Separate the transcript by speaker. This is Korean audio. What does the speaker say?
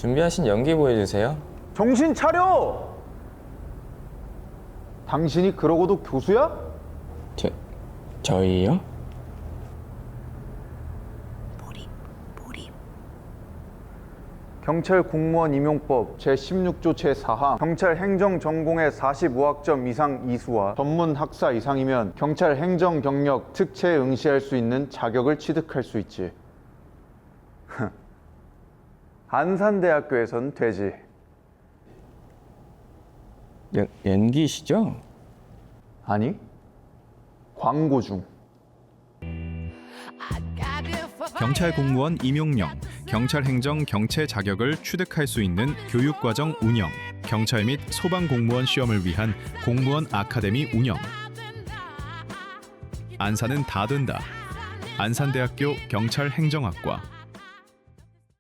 Speaker 1: 준비하신 연기 보여주세요.
Speaker 2: 정신 차려! 당신이 그러고도 교수야?
Speaker 1: 저희요?
Speaker 2: 경찰 공무원 임용법 제16조 제4항 경찰 행정 전공의 45학점 이상 이수와 전문 학사 이상이면 경찰 행정 경력 특채에 응시할 수 있는 자격을 취득할 수 있지. 안산대학교에선 되지.
Speaker 1: 연기시죠?
Speaker 2: 아니, 광고 중.
Speaker 3: 경찰 공무원 임용령, 경찰 행정 경채 자격을 취득할 수 있는 교육과정 운영, 경찰 및 소방 공무원 시험을 위한 공무원 아카데미 운영. 안산은 다 된다. 안산대학교 경찰행정학과.